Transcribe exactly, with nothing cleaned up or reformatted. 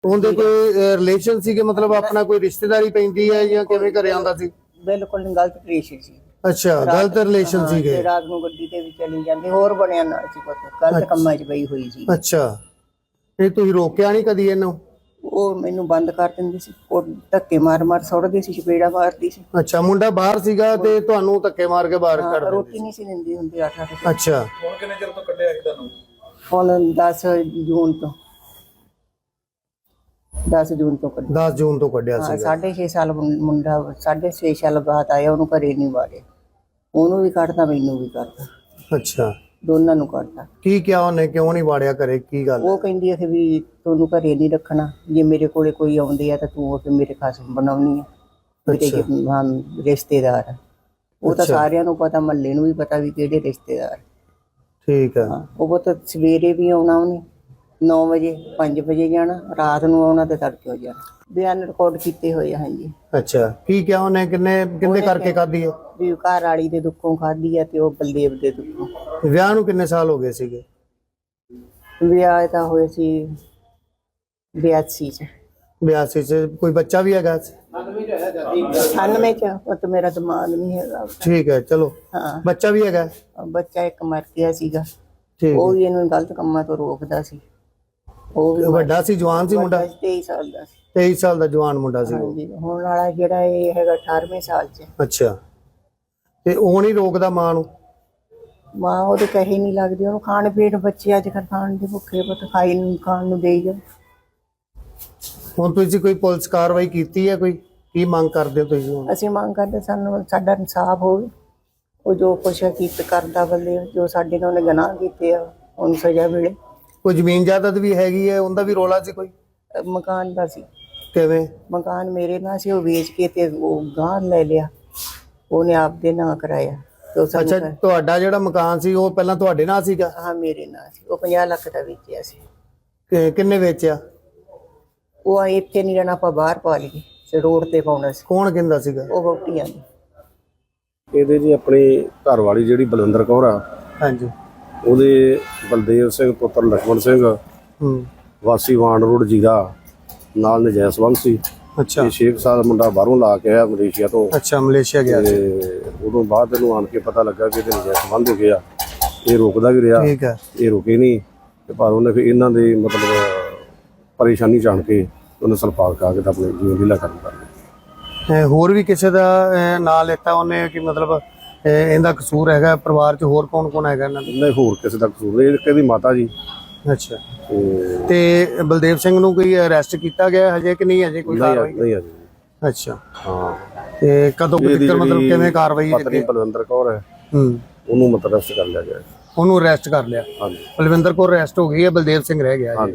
ਉਹਦੇ ਕੋਈ ਰਿਲੇਸ਼ਨ ਸੀ ਕਿ ਮਤਲਬ ਆਪਣਾ ਕੋਈ ਰਿਸ਼ਤੇਦਾਰੀ ਪੈਂਦੀ ਹੈ ਜਾਂ ਕਿਵੇਂ ਘਰੇ ਆਉਂਦਾ ਸੀ? ਬਿਲਕੁਲ ਗਲਤ ਰਿਲੇਸ਼ਨ ਸੀ। ਅੱਛਾ, ਗਲਤ ਰਿਲੇਸ਼ਨ ਸੀਗੇ। ਰਾਤ ਨੂੰ ਗੱਡੀ ਤੇ ਵੀ ਚਲੀ ਜਾਂਦੀ, ਹੋਰ ਬਣਿਆ ਨਾਲ ਸੀ, ਪੁੱਤ ਗਲਤ ਕੰਮਾਂ 'ਚ ਪਈ ਹੋਈ ਸੀ। ਅੱਛਾ, ਇਹ ਤੁਸੀਂ ਰੋਕਿਆ ਨਹੀਂ ਕਦੀ ਇਹਨੂੰ? ਉਹ ਮੈਨੂੰ ਬੰਦ ਕਰ ਦਿੰਦੀ ਸੀ, ਉਹ ਧੱਕੇ ਮਾਰ ਮਾਰ ਸੁੱਟਦੀ ਸੀ, ਚਪੇੜਾ ਮਾਰਦੀ ਸੀ। ਅੱਛਾ, ਮੁੰਡਾ ਬਾਹਰ ਸੀਗਾ ਤੇ ਤੁਹਾਨੂੰ ਧੱਕੇ ਮਾਰ ਕੇ ਬਾਹਰ ਕੱਢ ਦਿੰਦੀ? ਰੋਟੀ ਨਹੀਂ ਸੀ ਦਿੰਦੀ ਹੁੰਦੀ ਅੱਠ ਅੱਠ। ਅੱਛਾ, ਹੁਣ ਕਿੰਨੇ ਚਿਰ ਤੋਂ ਕੱਢਿਆ ਸੀ ਤੁਹਾਨੂੰ? ਹੁਣ ਦਸ ਜੂਨ ਤੋਂ ਦਸ ਜੂਨ ਤੋਂ ਕੱਢਿਆ। ਦਸ ਜੂਨ ਤੋਂ ਕੱਢਿਆ ਸੀ। ਸਾਢੇ ਛੇ ਸਾਲ ਮੁੰਡਾ ਸਾਢੇ ਛੇ ਸਾਲ ਬਾਅਦ ਆਇਆ, ਉਹਨੂੰ ਘਰੇ ਨਹੀਂ ਵਾੜਿਆ। ਉਹਨੂੰ ਵੀ ਕੱਢਦਾ, ਮੈਨੂੰ ਵੀ ਕੱਢਦਾ। ਅੱਛਾ, ਦੋਨਾਂ ਨੂੰ ਕੱਢਦਾ। ਕੀ ਕਿਹਾ ਉਹਨੇ, ਕਿਉਂ ਨਹੀਂ ਵਾੜਿਆ ਘਰੇ, ਕੀ ਗੱਲ? ਉਹ ਕਹਿੰਦੀ ਹੈ ਵੀ ਤੁਹਾਨੂੰ ਘਰੇ ਨਹੀਂ ਰੱਖਣਾ, ਜੇ ਮੇਰੇ ਕੋਲੇ ਕੋਈ ਆਉਂਦੇ ਆ ਤਾਂ ਤੂੰ ਉਹ ਮੇਰੇ ਖਸਮ ਬਣਾਉਣੀ ਆ, ਮੇਰੇ ਰਿਸ਼ਤੇਦਾਰ ਆ। ਉਹ ਤਾਂ ਸਾਰਿਆਂ ਨੂੰ ਪਤਾ, ਮਹੱਲੇ ਨੂੰ ਵੀ ਪਤਾ ਵੀ ਕਿਹੜੇ ਰਿਸ਼ਤੇਦਾਰ। ਠੀਕ ਆ। ਉਹ ਤਾਂ ਸਵੇਰੇ ਵੀ ਆਉਣਾ, ਉਹਨੇ ਨੌ ਵਜੇ ਪੰਜ ਵਜੇ ਜਾਣਾ, ਰਾਤ ਨੂੰ ਆਉਣਾ ਤੇ ਤੜਕੇ ਹੋ ਜਾਣਾ। ਬਿਆਨ ਰਿਕਾਰਡ ਕੀਤੇ ਹੋਏ ਆ। ਹਾਂਜੀ। ਅੱਛਾ, ਕੀ ਕਿਹਾ ਉਹਨੇ, ਕਿੰਨੇ ਕਿੰਨੇ ਕਰਕੇ ਖਾਧੀ ਹੈ? ਵੀ ਘਰ ਵਾਲੀ ਦੇ ਦੁੱਖੋਂ ਖਾਧੀ ਆ ਤੇ ਉਹ ਬਲਦੇਵ ਦੇ ਦੁੱਖੋਂ। ਵਿਆਹ ਨੂੰ ਕਿੰਨੇ ਸਾਲ ਹੋ ਗਏ ਸੀਗੇ? ਵਿਆਹ ਤਾਂ ਹੋਏ ਸੀ ਬਿਆਸੀ ਚ। ਬਿਆਸੀ ਚ। ਕੋਈ ਬੱਚਾ ਵੀ ਹੈਗਾ? ਅਠਾਨਵੇਂ ਚ। ਉਹ ਤਾਂ ਮੇਰਾ ਦਿਮਾਗ ਨਹੀਂ ਹੈਗਾ। ਠੀਕ ਹੈ, ਚਲੋ। ਹਾਂ, ਬੱਚਾ ਵੀ ਹੈਗਾ? ਬੱਚਾ ਇੱਕ ਮਰ ਗਿਆ ਸੀਗਾ। ਠੀਕ। ਉਹ ਵੀ ਇਹਨੂੰ ਗਲਤ ਕੰਮਾਂ ਤੋਂ ਰੋਕਦਾ ਸੀ। ਉਹ ਵੀ ਵੱਡਾ ਸੀ, ਜਵਾਨ ਸੀ ਮੁੰਡਾ? ਤੇਈ ਸਾਲ ਦਾ ਸੀ। ਤੇਈ ਸਾਲ ਦਾ ਜਵਾਨ ਮੁੰਡਾ ਸੀ। ਹਾਂਜੀ, ਹੁਣ ਵਾਲਾ ਜਿਹੜਾ ਇਹ ਹੈਗਾ ਅਠਾਰਵੇਂ ਸਾਲ ਚ। ਅੱਛਾ, ਤੇ ਉਹ ਨਹੀਂ ਰੋਕਦਾ ਮਾਂ ਨੂੰ? ਮਾਂ ਉਹਦੇ ਕਹੇ ਨਹੀਂ ਲੱਗਦੀ, ਉਹਨੂੰ ਖਾਣ ਪੀਣ, ਬੱਚੇ ਅੱਜ ਕੱਲ੍ਹ ਖਾਣ ਦੇ ਭੁੱਖੇ, ਪੁੱਤ ਖਾਈ ਨੂੰ ਖਾਣ ਨੂੰ ਦੇਈ ਜਾ। ਹੁਣ ਤੁਸੀਂ ਕੋਈ ਪੁਲਿਸ ਕਾਰਵਾਈ ਕੀਤੀ ਹੈ? ਕੋਈ ਕੀ ਮੰਗ ਕਰਦੇ ਹੋ ਤੁਸੀਂ ਹੁਣ? ਅਸੀਂ ਮੰਗ ਕਰਦੇ ਸਾਨੂੰ ਸਾਡਾ ਇਨਸਾਫ ਹੋਵੇ। ਉਹ ਜੋ ਕੁਛ ਕੀਤਾ ਕਰਦਾ ਬੰਦੇ, ਜੋ ਸਾਡੇ ਨਾਲ ਉਹਨੇ ਗੁਨਾਹ ਕੀਤੇ ਆ, ਉਹਨੂੰ ਸਜ਼ਾ ਮਿਲੇ। ਕੋਈ ਜ਼ਮੀਨ ਜਾਇਦਾਦ ਵੀ ਹੈਗੀ ਹੈ, ਉਹਦਾ ਵੀ ਰੌਲਾ ਸੀ ਕੋਈ? ਮਕਾਨ ਦਾ ਸੀ। ਕਿਵੇਂ? ਮਕਾਨ ਮੇਰੇ ਨਾਲ ਸੀ, ਉਹ ਵੇਚ ਕੇ ਤੇ ਉਹ ਗਾਂ ਲੈ ਲਿਆ, ਉਹਨੇ ਆਪਦੇ ਨਾਂ ਕਰਾਇਆ। ਅੱਛਾ, ਤੁਹਾਡਾ ਜਿਹੜਾ ਮਕਾਨ ਸੀ ਉਹ ਪਹਿਲਾਂ ਤੁਹਾਡੇ ਨਾਲ ਸੀਗਾ? ਹਾਂ, ਮੇਰੇ ਨਾਲ ਸੀ। ਉਹ ਪੰਜਾਹ ਲੱਖ ਦਾ ਵੇਚਿਆ ਸੀ। ਕਿੰਨੇ ਵੇਚਿਆ? ਉਹ ਇੱਥੇ ਨਹੀਂ ਰਹਿਣਾ, ਆਪਾਂ ਬਾਹਰ ਪਾ ਲਈਏ, ਰੋਡ ਤੇ ਪਾਉਣਾ ਸੀ। ਕੌਣ ਕਹਿੰਦਾ ਸੀਗਾ? ਉਹ ਵਹੁਟੀਆਂ ਨੇ। ਇਹਦੇ ਜੀ ਆਪਣੀ ਘਰ ਵਾਲੀ ਜਿਹੜੀ ਬਲਵਿੰਦਰ ਕੌਰ ਆ, ਹਾਂਜੀ, ਉਹਦੇ ਬਲਦੇਵ ਸਿੰਘ ਪੁੱਤਰ ਲక్ష్మణ ਸਿੰਘ ਹੂੰ, ਵਾਸੀ ਵਾਂਡ ਰੋਡ ਜੀਰਾ ਨਾਲ ਨਜਾਇਜ਼ ਸੰਬੰਧ ਸੀ। ਅੱਛਾ, ਇਹ ਛੇ ਸਾਲ ਮੁੰਡਾ ਬਾਹਰੋਂ ਲਾ ਕੇ ਆਇਆ ਮਲੇਸ਼ੀਆ ਤੋਂ। ਅੱਛਾ, ਮਲੇਸ਼ੀਆ ਗਿਆ ਸੀ। ਤੇ ਉਦੋਂ ਬਾਅਦ ਇਹਨੂੰ ਆਣ ਕੇ ਪਤਾ ਲੱਗਾ ਕਿ ਇਹਦੇ ਨਜਾਇਜ਼ ਸੰਬੰਧ ਹੋ ਗਏ ਆ। ਇਹ ਰੋਕਦਾ ਵੀ ਰਿਹਾ, ਠੀਕ ਹੈ। ਇਹ ਰੁਕੇ ਨਹੀਂ ਤੇ ਪਰ ਉਹਨੇ ਫਿਰ ਇਹਨਾਂ ਦੇ ਮਤਲਬ ਪਰੇਸ਼ਾਨੀ ਜਾਣ ਕੇ ਉਹਨੇ ਸਲਪਾਲ ਕਾ ਕੇ ਤਾਂ ਆਪਣੇ ਜੀਵਨ ਲੀਲਾ ਕਰਨ ਕਰ ਲਿਆ। ਹੋਰ ਵੀ ਕਿਸੇ ਦਾ ਨਾਂ ਲੈਤਾ ਉਹਨੇ ਕਿ ਮਤਲਬ ਇਹਦਾ ਕਸੂਰ ਹੈਗਾ? ਪਰਿਵਾਰ ਚ ਹੋਰ ਕੌਣ ਕੌਣ ਹੈਗਾ ਇਹਨਾਂ ਦੇ? ਨਹੀਂ, ਹੋਰ ਕਿਸੇ ਦਾ ਕਸੂਰ ਨਹੀਂ, ਇਹਦੀ ਮਾਤਾ ਜੀ। ਅੱਛਾ, ਤੇ ਬਲਦੇਵ ਸਿੰਘ ਨੂੰ ਕੋਈ ਅਰੈਸਟ ਕੀਤਾ ਗਿਆ ਹਜੇ ਕਿ ਨਹੀਂ? ਹਜੇ ਕੋਈ ਕਾਰਵਾਈ ਨਹੀਂ ਅਜੇ। ਅੱਛਾ, ਹਾਂ। ਤੇ ਕਦੋਂ ਤੱਕ ਮਤਲਬ ਕਿਵੇਂ ਕਾਰਵਾਈ? ਪਤਨੀ ਬਲਵਿੰਦਰ ਕੌਰ ਹੈ, ਹੂੰ, ਉਹਨੂੰ ਮਤਲਬ ਅਰੈਸਟ ਕਰ ਲਿਆ ਗਿਆ। ਉਹਨੂੰ ਅਰੈਸਟ ਕਰ ਲਿਆ? ਹਾਂਜੀ। ਬਲਵਿੰਦਰ ਕੌਰ ਅਰੈਸਟ ਹੋ ਗਈ ਹੈ, ਬਲਦੇਵ ਸਿੰਘ ਰਹਿ ਗਿਆ।